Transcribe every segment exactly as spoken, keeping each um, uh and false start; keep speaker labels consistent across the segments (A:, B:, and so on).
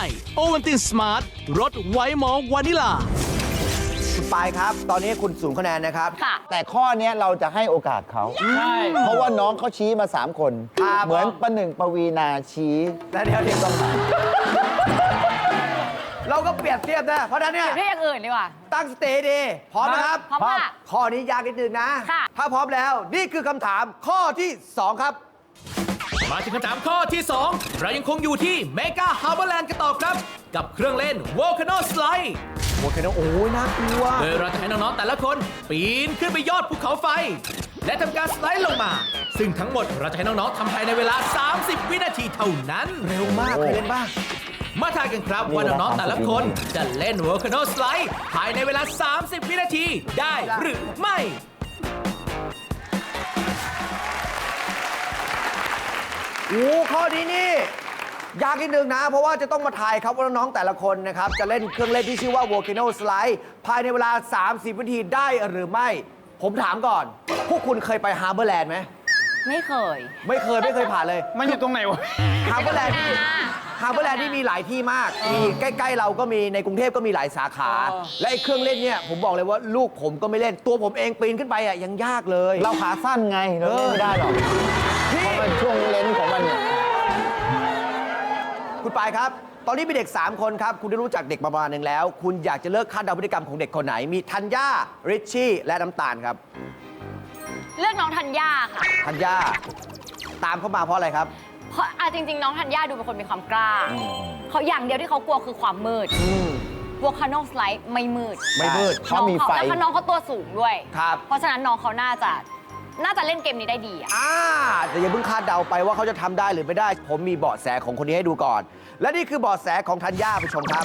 A: โอวัลตินสมาร์ทรสไวท์มอลต์วานิลา
B: คุณปายครับ ตอนนี้คุณศูนย์คะแนนนะครับ
C: ค่ะ
D: แต่ข้อนี้เราจะให้โอกาสเขา
E: ใช่
D: เพราะว่าน้องเขาชี้มาสามคน
B: ครับ
D: เหมือนประหนึ่งปวีนาชี้
B: แล้วเดี๋ยวเดี๋ยวต้องมาเราก็เปรียบเทียบนะ เพราะฉะนั้นเนี่ย
C: เรียกอย่างอื่นดีกว่า
B: ตั้งสเตดีพร้อมนะครับ
C: พร้อมค่ะ
B: ข้อนี้ยากนิดนึงนะ
C: ค่ะ
B: ถ้าพร้อมแล้วนี่คือคำถามข้อที่ สอง ครับ
A: มาถึงคำถามข้อที่ สอง เรายังคงอยู่ที่เมกาฮาร์เบอร์แลนด์กันต่อครับ กับเครื่องเล่น Volcano Slide
B: โอเคนะโอ้ยน่ากลัว
A: โดยเราจะให้น้อง ๆ แต่ละคน ปีนขึ้นไปยอดภูเขาไฟ และทำการสไลด์ลงมา ซึ่งทั้งหมดเราจะให้น้อง ๆทำภายในเวลา สามสิบ วินาทีเท่านั้น
B: เร็วมากเคยเล่นบ้าง
A: มาทายกันครับว่าน้อง ๆ แต่ละคนจะเล่น Volcano Slide ภายในเวลา สามสิบ วินาทีได้หรือไม่
B: โอ้ข้อนี้นี่ ยากนิดนึงนะ เพราะว่าจะต้องมาทายครับว่าน้องๆแต่ละคนนะครับ จะเล่นเครื่องเล่นที่ชื่อว่า Volcano Slide ภายในเวลา สามสิบ วินาทีได้หรือไม่ ผมถามก่อน พวกคุณเคยไปฮาร์เบอร์แลนด์ไหม
C: ไม่เคย
B: ไม่เคยไม่เคยผ่านเลย
E: มันอยู่ตรงไหนวะ
B: ฮาร์เบอร์แลนด์นี่ฮาร์เบอร์แลนด์นี่มีหลายที่มาก มีใกล้ๆเราก็มีในกรุงเทพก็มีหลายสาขา และไอ้เครื่องเล่นเนี่ยผมบอกเลยว่าลูกผมก็ไม่เล่น ตัวผมเองปีนขึ้นไปอ่ะยังยากเลย
D: เราขาสั้นไง เราเล่นไม่ได้หรอก
B: พี่
D: เพราะมันช่วงเลนส์ของมันเนี่ย
B: คุณปายครับ ตอนนี้มีเด็ก สาม คนครับ คุณได้รู้จักเด็กประมาณหนึ่งแล้ว คุณอยากจะเลิกคาดเดาพฤติกรรมของเด็กคนไหน มีธัญญาริชชี่ และน้ำตาลครับ
C: เลือกน้องธัญญาค่ะ
B: ธัญญาตามเข้ามาเพราะอะไรครับ
C: เพราะอ่ะจริง ๆ น้องธัญญาดูเป็นคนมีความกล้า เขาอย่างเดียวที่เขากลัวคือความมืด
B: อืม
C: Volcano Slide ไม่มืด
B: ไม่มืด
D: เขามีไฟ
C: น้องเขาแล้วก็น้องเขาตัวสูงด้วย
B: ครับ
C: เพราะฉะนั้นน้องเขาน่าจะ น่าจะเล่นเกมนี้ได้ดีอะ
B: อ่าแต่อย่าเพิ่งคาดเดาไปว่าเขาจะทำได้หรือไม่ได้ ผมมีเบาะแสของคนนี้ให้ดูก่อน และนี่คือเบาะแสของธัญญาผู้ชมครับ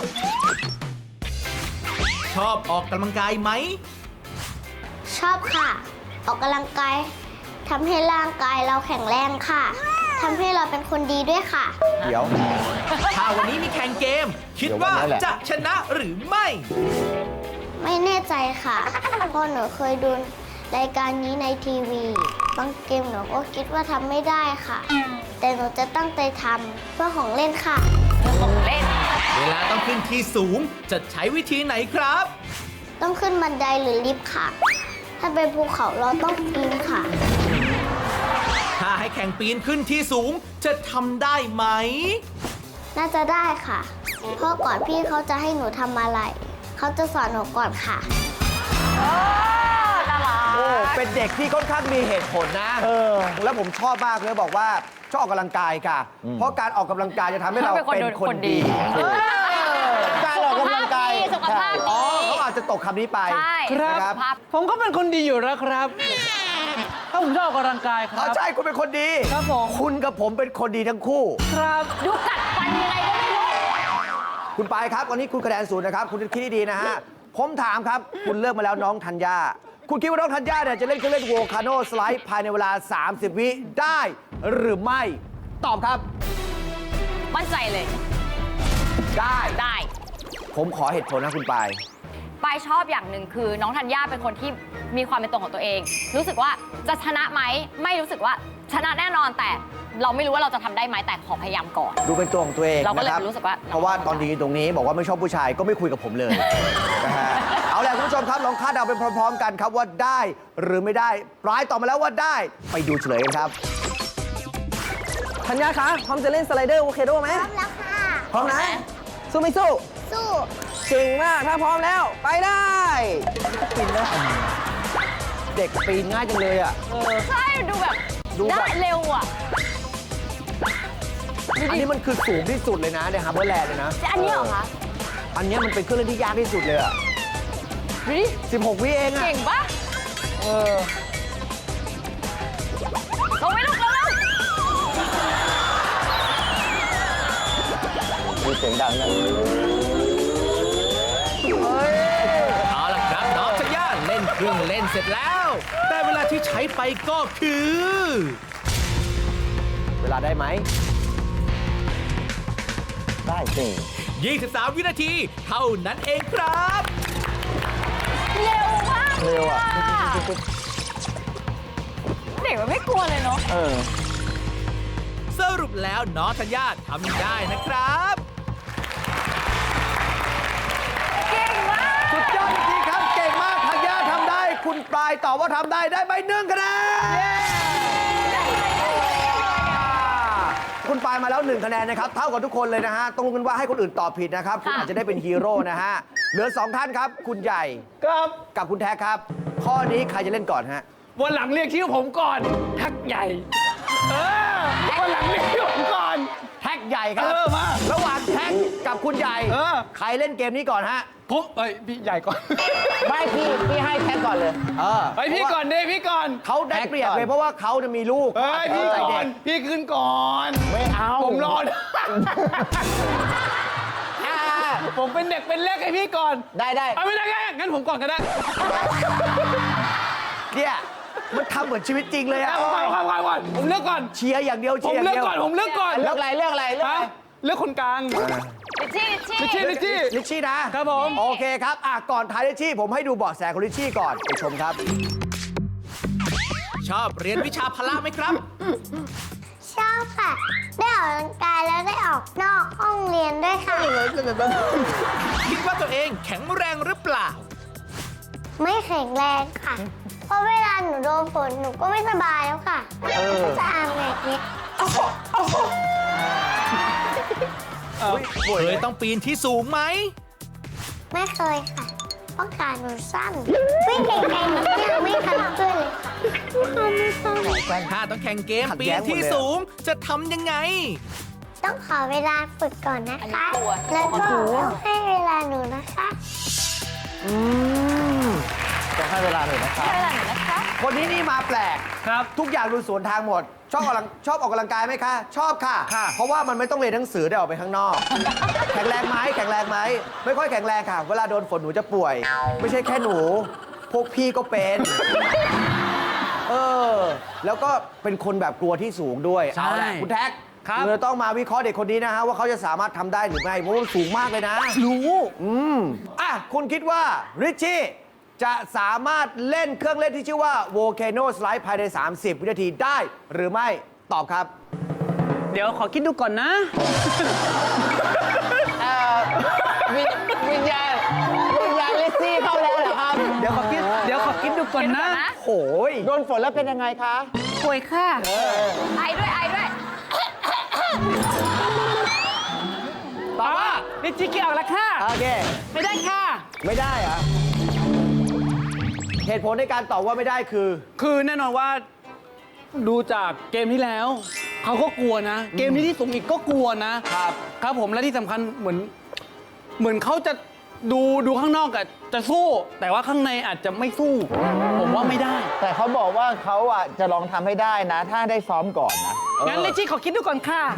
A: ชอบออกกำลังกายไหม
F: ชอบค่ะ ออกกำลังกายทำให้ร่างกายเราแข็งแรงค่ะทำให้เราเป็นคนดีด้วยค่ะ
B: เดี๋ยว
A: ถ้าวันนี้มีแข่งเกม คิดว่าจะชนะหรือไม่
F: ไม่แน่ใจค่ะ เพราะหนูเคยดูรายการนี้ในทีวี บางเกมหนูก็คิดว่าทำไม่ได้ค่ะ แต่หนูจะตั้งใจทำเพื่อของเล่นค่ะ
C: ของเล่น
A: เวลาต้องขึ้นที่สูงจะใช้วิธีไหนครับ
F: ต้องขึ้นบันไดหรือลิฟต์ค่ะ ถ้าเป็นภูเขาเราต้องปีนค่ะ
A: ถ้าให้แข่งปีนขึ้นที่สูงจะทำได้ไหม
F: น่าจะได้ค่ะ เพราะก่อนพี่เขาจะให้หนูทำอะไร เขาจะสอนหนูก่อนค่ะ
C: โอ้น่ารัก
B: โอ้เป็นเด็กที่ค่อนข้างมีเหตุผลนะ
D: เออ
B: แล้วผมชอบมากเลยบอกว่าชอบออกกำลังกายค่ะ เพราะการออกกำลังกายจะทำให้เรา
C: เป็นคน
B: เป็นคน
C: คนดี
B: ดี
D: การออกกำลังกาย
C: สุขภาพดี
B: อ๋อเขาอาจจะตกคำนี้ไป
C: ใช่
B: นะครับ
C: สุขภาพ
E: ผมก็เป็นคนดีอยู่แล้วครับ ถ้าผมชอบออกกำลังกายครั
B: อ๋อบ ใช่คุณเป็นคนดี
E: ครับผม
B: คุณกับผมเป็นคนดีทั้งคู่
E: ครับ
C: ดูกัดฟันยังไงก็ไม่รู้
B: คุณปายครับวันนี้คุณคะแนนศูนย์นะครับ คุณคิดดีๆนะฮะ ผมถามครับ คุณเลือกมาแล้วน้องธัญญา คุณคิดว่าน้องธัญญาเนี่ยจะเล่นเครื่องเล่น Volcano Slide ภายในเวลา สามสิบ วิได้หรือไม่ ตอบครับ
C: มั่นใจเลย
B: ได้
C: ได้
B: ผมขอเหตุผลนะคุณปาย
C: ปายชอบอย่างหนึ่งคือน้องธัญญาเป็นคนที่มีความเป็นตัวของตัวเอง รู้สึกว่าจะชนะไหมไม่รู้สึกว่าชนะแน่นอนแต่เราไม่รู้ว่าเราจะทำได้ไหมแต่ขอพยายามก่อน
B: ดูเป็นตัวของตัวเอง
C: เราก็เลย
B: นะครับ
C: รู้สึกว่า
B: เพราะว่าตอนนี้ตรงนี้บอกว่าไม่ชอบผู้ชายก็ไม่คุยกับผมเลย นะฮะเอาล่ะคุณผู้ชมครับลองคาดเดาไปพร้อมๆกันครับว่าได้หรือไม่ได้ปลายตอบมาแล้วว่าได้ไปดูเฉลยกันครับ
G: ธัญญาคะพร้อมจะเล่นสไลเดอร์โอเคด้วยไหม
F: พร้อมแล้วค่ะ
B: พร้อมนะ
G: สู้ไม่สู้
F: สู้
G: เก่งมาก ถ้าพร้อมแล้ว ไปได้
B: เด็กปีนง่ายจังเลยอ่ะ
C: ใช่ดูแบบ
B: ดูแบบ
C: ได้เร็วอ่ะ
B: อันนี้มันคือสูงที่สุดเลยนะในฮาร์เบอร์แลนด์เลยนะ
C: แต่อันนี้เหรอคะ
B: อันนี้มันเป็นเครื่องเล่นที่ยากที่สุดเลยอ่ะ
C: ดูดิ
B: สิบหก วิเองอ่ะ
C: เก่งปะ
B: เออ
C: ลงไม่ลงแล้ว
D: มีเสียงดังนะ
A: เอาล่ะครับน้องธัญญาเล่นเครื่องเล่นเสร็จแล้ว แต่เวลาที่ใช้ไปก็คือ
B: เวลาได้ไหม
D: ได้สิ
A: ยี่สิบสาม วินาที เท่านั้นเองครับ
C: เร็วมาก
D: เร็วอ่ะ
C: เด็กมันไม่กลัวเลยเนาะ
D: เออ
A: สรุปแล้วน้องธัญญาทำได้นะครับ
B: คุณปลายตอบว่าทำได้ได้ไปหนึ่งคะแนนคุณปลายมาแล้วหนึ่งคะแนนนะครับ เท่ากับทุกคนเลยนะฮะ ต้องรู้กันว่าให้คนอื่นตอบผิดนะครับ คุณอาจจะได้เป็นฮีโร่นะฮะ เหลือสองท่านครับ คุณใหญ่
E: ครับ
B: กับคุณแท็กครับ ข้อนี้ใครจะเล่นก่อนฮะ
E: วันหลังเรียกชื่อผมก่อนแท็กใหญ่ เออวันหลังเรียกชื่อผมก่อน
B: แท็กใหญ่ครับ
E: เออมา
B: ระหว่างแท็กกับคุณใหญ่
E: เออ
B: ใครเล่นเกมนี้ก่อนฮะ
E: ผมเอ้ยพี่ใหญ่ก่อน
D: ไม่พี่พี่ให้แท็กก่อนเลย
B: เออ
E: ไปพี่ก่อนเด้พี่ก่อน
B: เขาได้เปรียบเลยเพราะว่าเขาเนี่ยมีลูก
E: เอ้ยพี่
B: เขาอาจจะ
E: ก่
B: ใจ
E: อน
B: เด็ก
E: พี่ขึ้นก่อน
D: ไม่เอา
E: ผมรอนะอ่าผมเป็นเด็กเป็นเล็กให้พี่ก่อน
D: ได้ได้
E: เอาไม่ได้ไงงั้นผมก่อนก็ได้
B: เนี่ยมันทำเหมือนชีวิตจริงเลยอะ
E: เอาก่อนก่อนก่อนก่อนผมเลือกก่อน
B: เชียร์อย่างเดียว
E: ผ
B: เชี
E: ม
B: ยร์อย่าง
E: เลือก
B: เดียว
E: ก่อนผมเลือกก่อน
D: เลือกอะไรเลือกอะไรเลือกอะไร
E: ฮะเลือกคนกลาง
C: ลิชชี่ลิชชี่
E: ลิชชี่ลิชชี่
B: ลิชชี่นะครับ
E: ผม
B: โอเคครับอ่ะก่อนท้ายลิชชี่ผมให้ดูเบาะแสของลิชชี่ก่อนไปชมครับ
A: ชอบเรียนวิชาพละไหมครับ
F: ชอบค่ะ ได้ออกกำลังกายแล้วได้ออกนอกห้องเรียนด้วยค่ะ
A: คิดว่าตัวเองแข็งแรงหรือเปล่า
F: ไม่แข็งแรงค่ะ เพราะเวลาหนูโดนฝนหนูก็ไม่สบายแล้วค่ะจะอาบแบบนี้
A: เคยต้องปีนที่สูงไหม
F: ไม่เคยค่ะ เพราะขาหนูสั้นวิ่งไกลๆหนูก็ยังไม่ทันเพื่อนเลยค่ะ
A: ถ้าต้องแข่งเกม
B: ขัด
A: ปี
B: แย้
A: น
B: งหมดเลย
A: ที่สูงจะทำยังไง
F: ต้องขอเวลาฝึกก่อนนะ
C: อัน
F: คะ
C: นี้ตัว
F: แล้วก็ต้องให้เวลาหนูนะคะ
B: อืม
D: จะให้เวลาหน่อยนะครับ
C: ใช่แล้วนะคะ
B: คนนี้นี่มาแปลก
E: ครับ
B: ทุกอย่างดูสวนทางหมด ชอบออกกำลังชอบออกกำลังกายไหมคะ ชอบค่ะ
E: ค่ะ
B: เพราะว่ามันไม่ต้องเรียนหนังสือได้ออกไปข้างนอก แข็งแรงไหมแข็งแรงไหมไม่ค่อยแข็งแรงค่ะ เวลาโดนฝนหนูจะป่วย ไม่ใช่แค่หนู พวกพี่ก็เป็น เออ แล้วก็เป็นคนแบบกลัวที่สูงด้วย
E: ใช่
B: เอาละคุณแท็ก
E: ครับ
B: เราต้องมาวิเคราะห์เด็กคนนี้นะฮะว่าเขาจะสามารถทำได้หรือไม่เพราะว่ามันสูงมากเลยนะ
E: รู้
B: อืมอ่ะ คุณคิดว่าริชชี่จะสามารถเล่นเครื่องเล่นที่ชื่อว่า Volcano Slide ภายใน สามสิบ วินาทีได้หรือไม่ตอบครับ
E: เดี๋ยวขอคิดดูก่อนนะ
D: เอ่อวิญวิญญาณวิญญาณลิซซี่เข้าแล้วเหรอครับ
E: เดี๋ยวขอคิดเดี๋ยวขอคิดดูก่อนนะ
B: โอ้ย
D: โดนฝนแล้วเป็นยังไงคะ
E: ป่วยค่ะ
C: ไอด้วยไอด้วย
E: ตอบว่าลิจิเกี่ยวแล้วค่ะ
B: โอเค
E: ไม่ได้ค่ะ
B: ไม่ได้เหรอเหตุผลในการตอบว่าไม่ได้คือ
E: คือแน่นอนว่าดูจากเกมที่แล้ว เขาก็กลัวนะ เกมนี้ที่สูงอีกก็กลัวนะครับ ครับผมและที่สำคัญเหมือน เหมือนเขาจะดูดูข้างนอกอะจะสู้ แต่ว่าข้างในอาจจะไม่สู้ ผมว่าไม่ได้
D: แต่เขาบอกว่าเขาอ่ะจะลองทำให้ได้นะ ถ้าได้ซ้อมก่อนนะ
E: งั้นลิจิขอคิดดูก่อนค่ะ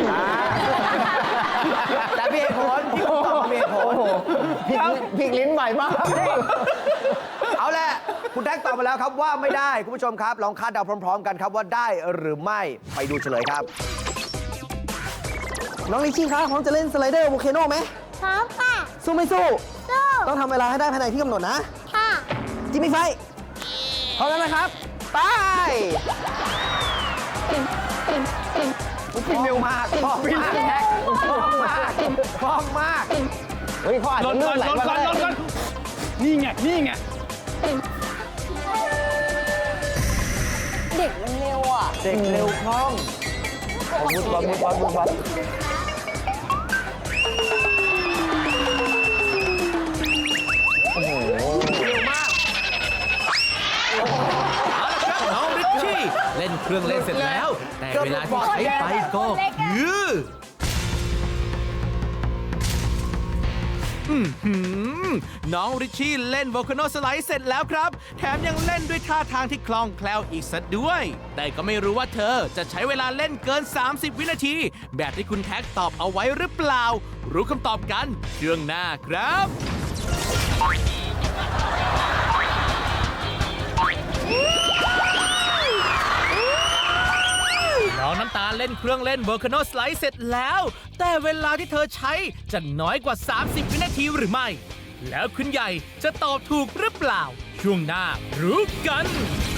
B: แต่มีเหตุผลที่ผมตอบมีเหตุผล
D: พลิกพลิกลิ้นใหม่มาก
B: เอาแหละ คุณแท็กตอบมาแล้วครับว่าไม่ได้ คุณผู้ชมครับ ลองคาดเดาพร้อม ๆ กันครับว่าได้หรือไม่ไปดูเฉลยครับ
G: น้องลิชชี่คะพร้อมจะเล่นสไลเดอร์โวลเคโนไหม
F: พร้อมค่ะ
G: สู้ไม่สู้
F: สู้
G: ต้องทำเวลาให้ได้ภายในที่กำหนดนะ
F: ค่ะ
G: จิมมี่ไฟพร้อมแล้วนะครับ ไป
B: วิ่งเร็วมากพร้อมมากแท็กพร้อมมากพร้อมมาก
D: เฮ้ยเขาอาจ
E: ล
D: จะ
E: ด
D: ลื่
E: ก่อน
D: นไหล
E: ลด
D: มา
E: ก่อน
D: ได้
E: ลดก่อนนี่ไง นี่ไง
C: เด็กมันเร็วอ่ะ
B: เด็กเร็วคล่อง
D: มุดวัดมุดวัดมุดวัด
A: เอาละครับน้องริชชี่เล่นเครื่องเล่นเสร็จแล้ว แต่เวลาที่ใช้ไปก็คืออื้อหือน้องริชชี่เล่น Volcano Slide เสร็จแล้วครับ แถมยังเล่นด้วยท่าทางที่คล่องแคล่วอีกซะด้วย แต่ก็ไม่รู้ว่าเธอจะใช้เวลาเล่นเกิน สามสิบ วินาที แบบที่คุณแท็กตอบเอาไว้หรือเปล่า รู้คำตอบกันช่วงหน้าครับ น้องน้ำตาลเล่นเครื่องเล่น Volcano Slide เสร็จแล้ว แต่เวลาที่เธอใช้จะน้อยกว่า สามสิบ วินาทีหรือไม่ แล้วคุณใหญ่จะตอบถูกหรือเปล่า ช่วงหน้ารู้กัน